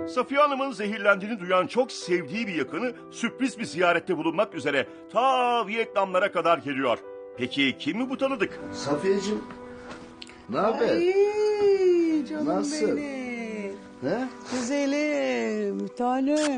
Safiye Hanım'ın zehirlendiğini duyan çok sevdiği bir yakını sürpriz bir ziyarette bulunmak üzere ta Vietnamlara kadar geliyor. Peki kim mi bu tanıdık? Safiyeciğim, ne haber? Ay canım Nasıl? benim. Ne? Güzelim, bir tanem.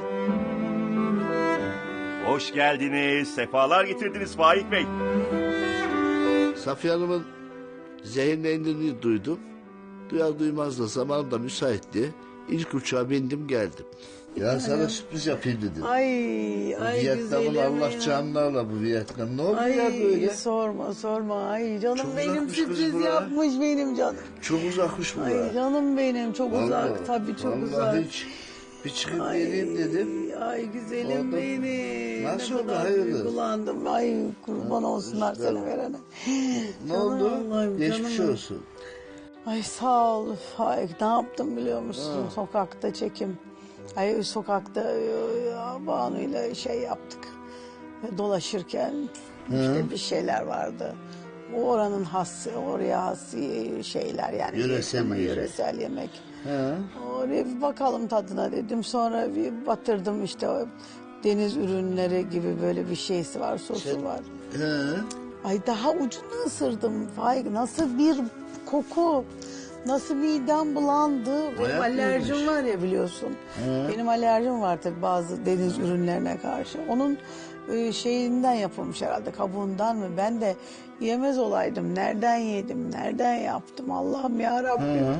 Hoş geldiniz, sefalar getirdiniz Faik Bey. Safiye Hanım'ın zehirlendiğini duydum. Duyar duymaz da zamanım da müsaitti. İlk uçağa bindim geldim. Ya sana sürpriz yapayım dedim. Ay Vietnam'ın güzelim. Allah canlarla bu Vietnam. Ne oldu Ay ya böyle? sorma. Ay canım Çok benim uzakmış kız sürpriz bura. yapmış benim canım. Çok uzakmış bu. Ay canım benim çok uzak tabii çok vallahi uzak. hiç bir çıkıp geleyim dedim. Ay güzelim Oldu. benim. Nasıl Ne oldu, kadar hayırdır? duygulandım. Ay kurban olsunlar işte. seni verene. Ne Canım oldu? Allah'ım, Geçmiş canım. olsun. Ay sağ ol Faik, ne yaptım biliyor musun? Sokakta çekim. Ay sokakta Banu'yla şey yaptık. Dolaşırken işte bir şeyler vardı. O oranın has, oraya has şeyler yani. Yöresel ama yiyecek. yöresel yemek. He. Oraya bir bakalım tadına dedim. Sonra bir batırdım işte o deniz ürünleri gibi böyle bir şeysi var, sosu var. He. Ay daha ucunu ısırdım Faik. Nasıl bir koku. Nasıl midem bulandı. Benim Bayağı alerjim iyiymiş. var ya biliyorsun. Benim alerjim var tabii bazı deniz ürünlerine karşı. Onun şeyinden yapılmış herhalde, kabuğundan mı? Ben de yemez olaydım. Nereden yedim, nereden yaptım Allah'ım ya Rabbim.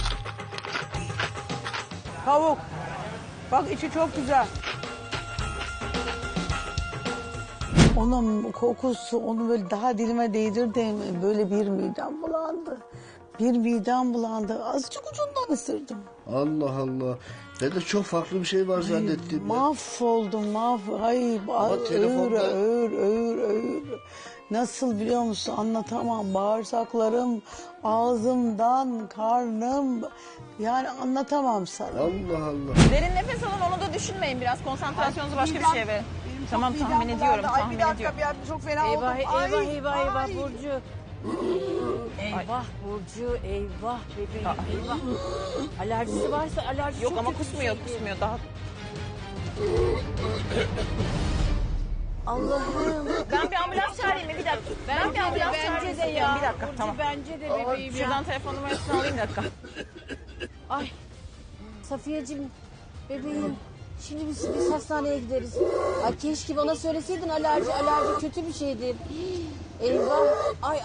Tavuk. Bak içi çok güzel. Onun kokusu, onu böyle daha dilime değdirdim. Böyle bir midem bulandı. Bir midem bulandı. Azıcık ucundan ısırdım. Allah Allah. Ben de çok farklı bir şey var zannettim. ya. Mahvoldum, Ay, telefonda- ağır. Nasıl biliyor musun? Anlatamam. Bağırsaklarım, ağzımdan, karnım. Yani anlatamam sana. Allah Allah. Derin nefes alın, onu da düşünmeyin biraz. Konsantrasyonunuzu başka bir şeye verin. Tamam, Midem tahmin bulandı. ediyorum, Ay, tahmin bir dakika, ediyorum. bir çok fena oldum. Eyvah Burcu. Eyvah Burcu, eyvah bebeğim, eyvah. Alerjisi varsa alerji Yok çok ama kötü bir kusmuyor, şeydir. kusmuyor. Daha Allah'ım. ben bir ambulans çağırayım mı? Bir dakika. Ben bir ambulans çağırayım. Bence de ya. Bir dakika, Burcu, tamam. bence de bebeğim ya. Şuradan telefon numarasını alayım bir dakika. Ay. Safiyeciğim, bebeğim. Şimdi biz hastaneye gideriz. Ay keşke bana söyleseydin alerji kötü bir şeydir. Eyvah. Ay.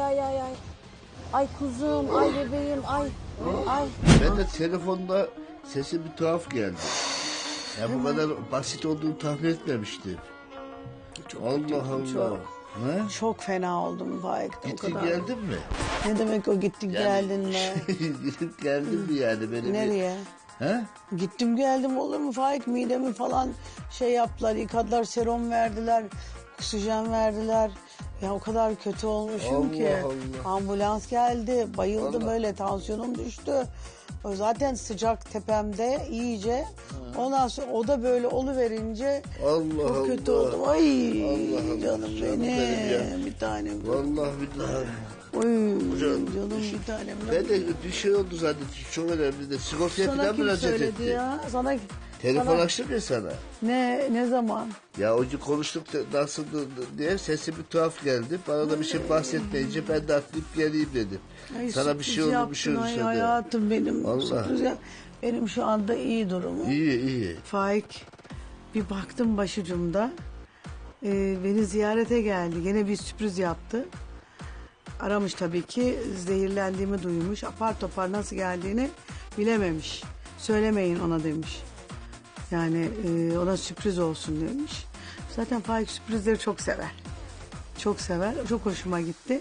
Ay kuzum, ay bebeğim, ay. Ben de telefonda sesi bir tuhaf geldi. Ya bu kadar basit olduğunu tahmin etmemiştim. Allah Allah. çok. Ne? Çok fena oldum Faik. O Gittin kadar. geldin mi? Ne demek o gittin geldin mi? Gidip geldin mi yani? Beni Nereye? He? Gittim geldim olur mu Faik, midemi falan şey yaptılar, yıkadılar, serum verdiler, oksijen verdiler. Ya o kadar kötü olmuşum Allah ki. Allah. Ambulans geldi, bayıldım Allah. öyle, tansiyonum düştü. O zaten sıcak tepemde iyice. Ondan sonra o da böyle oluverince Allah çok Allah. kötü oldum. Ay Allah Allah, canım canım benim, benim ya. bir tanem. Vallahi billahi. Oy Canım. canım bir tanem. Ben de bir şey oldu zannettim. Çok önemli de. Sigortaya Sana falan kim müracaat söyledi etti. ya? Telefon sana- açtım ya sana. Ne zaman? Ya o gün konuştuk da nasıldı diye sesi bir tuhaf geldi. Bana da bir şey bahsetmeyince ben de atlayıp geleyim dedim. Ay, Sana bir şey sürpriz oldu bir şey yaptın, olursa ay de. hayatım benim. Vallahi. Sürpriz benim şu anda iyi durumum. İyi. Faik bir baktım başucumda. Beni ziyarete geldi. Gene bir sürpriz yaptı. Aramış tabii ki, zehirlendiğimi duymuş. Apar topar nasıl geldiğini bilememiş. Söylemeyin ona demiş. Yani ona sürpriz olsun demiş. Zaten Faik sürprizleri çok sever. Çok sever. Çok hoşuma gitti.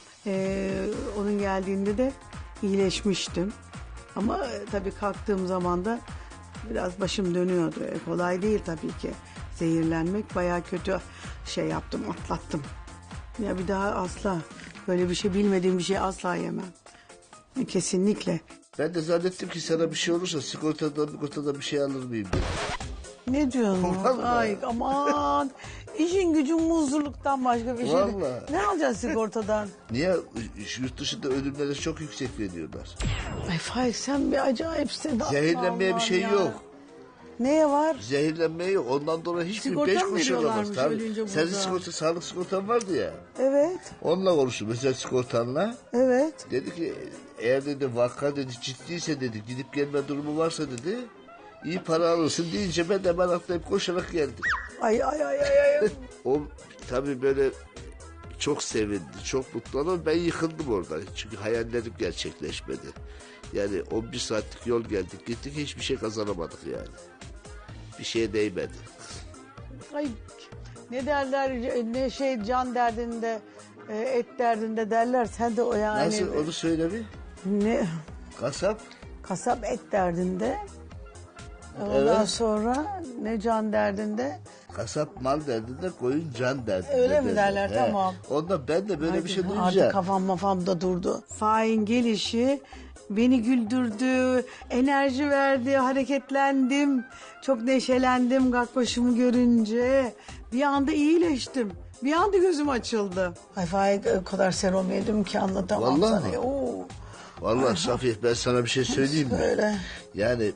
Onun geldiğinde de iyileşmiştim. Ama tabii kalktığım zaman da biraz başım dönüyordu. Kolay değil tabii ki. Zehirlenmek bayağı kötü şey yaptım, atlattım. Ya bir daha asla böyle bir şey, bilmediğim bir şey asla yemem. Kesinlikle. Ben de zannettim ki sana bir şey olursa sigortadan bir şey alır mıyım dedim. Ne diyorsun? Vallahi. Ay aman. İşin gücün muzluluktan başka bir şey değil. Vallahi. Ne alacaksın sigortadan? Niye? Yurt dışında ölümlere çok yüksek veriyorlar. Ay Faik sen bir acayipsin. Zehirlenmeye bir Allah'ım şey ya. yok. Neye var? Zehirlenmeye yok. Ondan dolayı hiçbir Sigorta 5 mı kuruş alamaz. veriyorlarmış Tabii. ölünce Senin burada? sigorta, sağlık sigortan vardı ya. Evet. Onunla konuştum özel sigortanla. Evet. Dedi ki eğer dedi vaka dedi ciddiyse dedi gidip gelme durumu varsa dedi iyi para alırsın deyince ben de hemen atlayıp koşarak geldim. Ay ay ay ay ay. O tabii böyle çok sevindi, çok mutlu ama ben yıkıldım orada. Çünkü hayallerim gerçekleşmedi. Yani 11 saatlik yol geldik gittik hiçbir şey kazanamadık yani. Bir şeye değmedi. Ay ne derler ne şey can derdinde et derdinde derler sen de o yani. Nasıl onu söyle bir. Ne Kasap kasap et derdinde. Ondan Evet. sonra ne can derdinde. Kasap mal derdinde, koyun can derdinde. Öyle mi derler? Tamam. Ondan ben de böyle bir şey Artık duyunca. kafam mafamda durdu. Fahin gelişi beni güldürdü, enerji verdi, hareketlendim. Çok neşelendim Gakkoş'umu görünce. Bir anda iyileştim. Bir anda gözüm açıldı. Ay Faik o kadar serum yedim ki anlatamam Vallahi sana. mi? Oo. Vallahi Safiye ben sana bir şey söyleyeyim mi? Söyle. Yani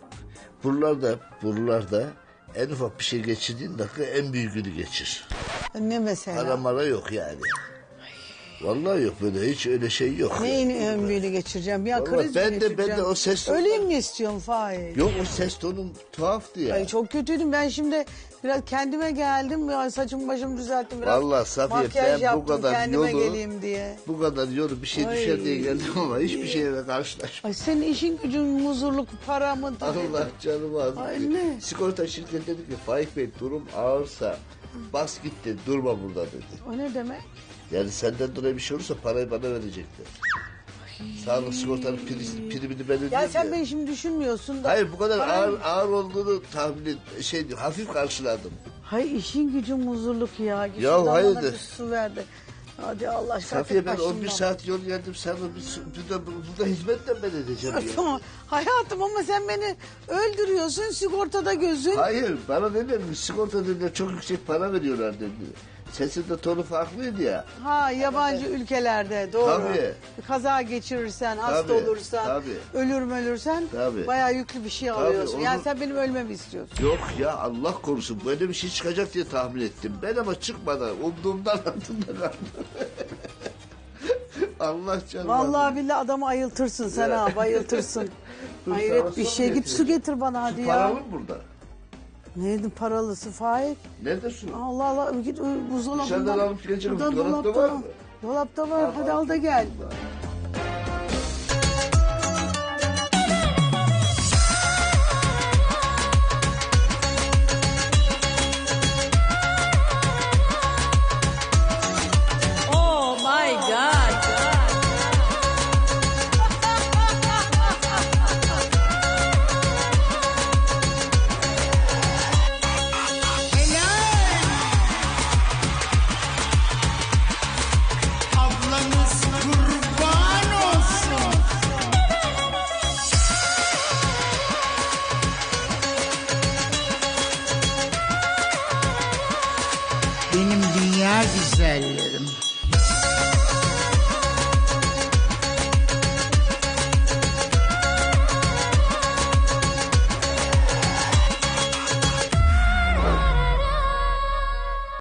buralarda en ufak bir şey geçirdiğin dakika en büyüğünü geçir. Ne mesela? Para mara yok yani. Vallahi yok böyle hiç öyle şey yok. Neyin yani. ön büyüğünü geçireceğim? Ya Vallahi kriz ben mi de geçireceğim? o ses Öleyim mi istiyorsun Faik? Yok o ses tonun tuhaftı ya. Ay çok kötüydüm. Ben şimdi biraz kendime geldim. Ya saçımı başımı düzelttim biraz. Vallahi Safiye, makyaj ben bu yaptım kadar kendime yolu- geleyim diye. Bu kadar yolu bir şey Ay. düşer diye geldim ama hiçbir şeyle karşılaşmadım. Ay senin işin gücün muzurluk para mı? Allah canımı aldı. Ay ne? Sigorta şirketi dedi ki Faik Bey durum ağırsa bas git dedi, durma burada dedi. O ne demek? Yani senden dolayı bir şey olursa parayı bana verecekler. Sağlık sigortanın primini ben ödeyeyim Ya sen ya. beni şimdi düşünmüyorsun da. Hayır bu kadar Param- ağır olduğunu hafif karşıladım. Hay işin gücün muzurluk ya. Git Ya şuradan bana hayırdır? bir su ver de. Hadi Allah aşkına. Safiye ben başımdan. 11 saat yol geldim sen burada hizmetle ben edeceğim ya. Tamam. Hayatım ama sen beni öldürüyorsun sigortada gözün. Hayır bana ne demiş sigorta dediler çok yüksek para veriyorlar dedi. Sesin de tonu farklıydı ya. Ha yabancı ülkelerde doğru. Tabii. Kaza geçirirsen, hasta Tabii, olursan, tabii. ölürsen Tabii. bayağı yüklü bir şey alıyorsun. onu- Yani sen benim ölmemi istiyorsun. Yok ya Allah korusun böyle bir şey çıkacak diye tahmin ettim. Ben ama çıkmadan umduğumdan altında kaldım. Allah canım. Vallahi billahi adamı ayıltırsın sen Ya. ha bayıltırsın. Dur, Hayret sana bir su şey. Git getireyim. su getir bana hadi ya. Paralı mı burada? Neydi paralısı Faik? Nerede su? Allah Allah git buzdolabından. Dışarıdan alıp geleceğim. Burada Dolapta var mı? Dolapta var. Hadi al da gel. Allah.